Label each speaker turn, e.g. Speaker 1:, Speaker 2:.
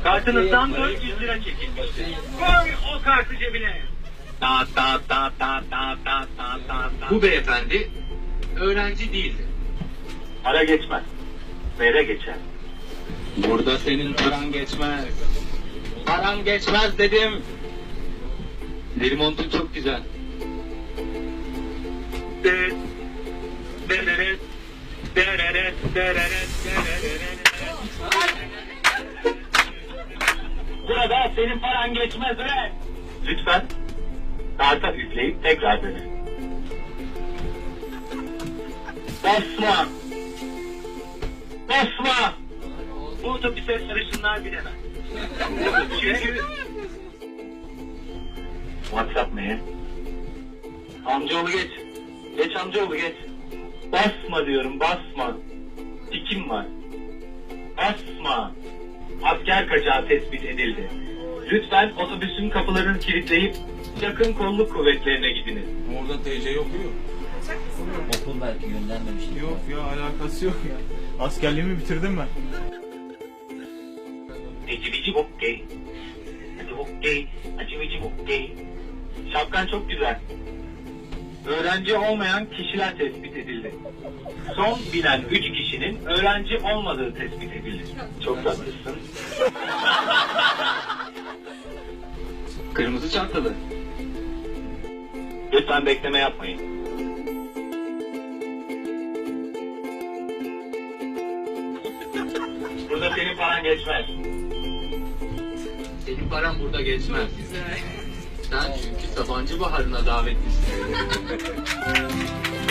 Speaker 1: Kartınızdan 400 lira çekilmiştir. Koy o kartı cebine.
Speaker 2: Bu beyefendi öğrenci değildi.
Speaker 1: Para geçmez. Vere geçer.
Speaker 2: Burada senin paran geçmez. Paran geçmez dedim. Deri montun çok güzel.
Speaker 1: Burada senin paran geçmez be. Lütfen karta üfleyip tekrar dene. Basma. Basma. Bu otobüse sarışınlar bilemez. Çünkü... WhatsApp ne? Amcaoğlu geç. Geç amcaoğlu geç. Basma diyorum basma. Tikim var. Basma. Asker kaçağı tespit edildi. Lütfen otobüsün kapılarını kilitleyip yakın kolluk kuvvetlerine gidiniz.
Speaker 3: Orada TC yok mu?
Speaker 4: Okul belki göndermemiştir.
Speaker 3: Yok ya, alakası yok ya. Askerliğimi bitirdim ben.
Speaker 1: Ecivici bokkey. Hadi bokkey. Acıvici bokkey. Şapkan çok güzel. Öğrenci olmayan kişiler tespit edildi. Son bilen 3 kişinin öğrenci olmadığı tespit edildi. Çok tatlısın.
Speaker 2: Kırmızı çantalı.
Speaker 1: Lütfen bekleme yapmayın. Burada senin paran geçmez.
Speaker 2: Senin paran burada geçmez. Sen çünkü Sabancı Baharı'na davetlisin.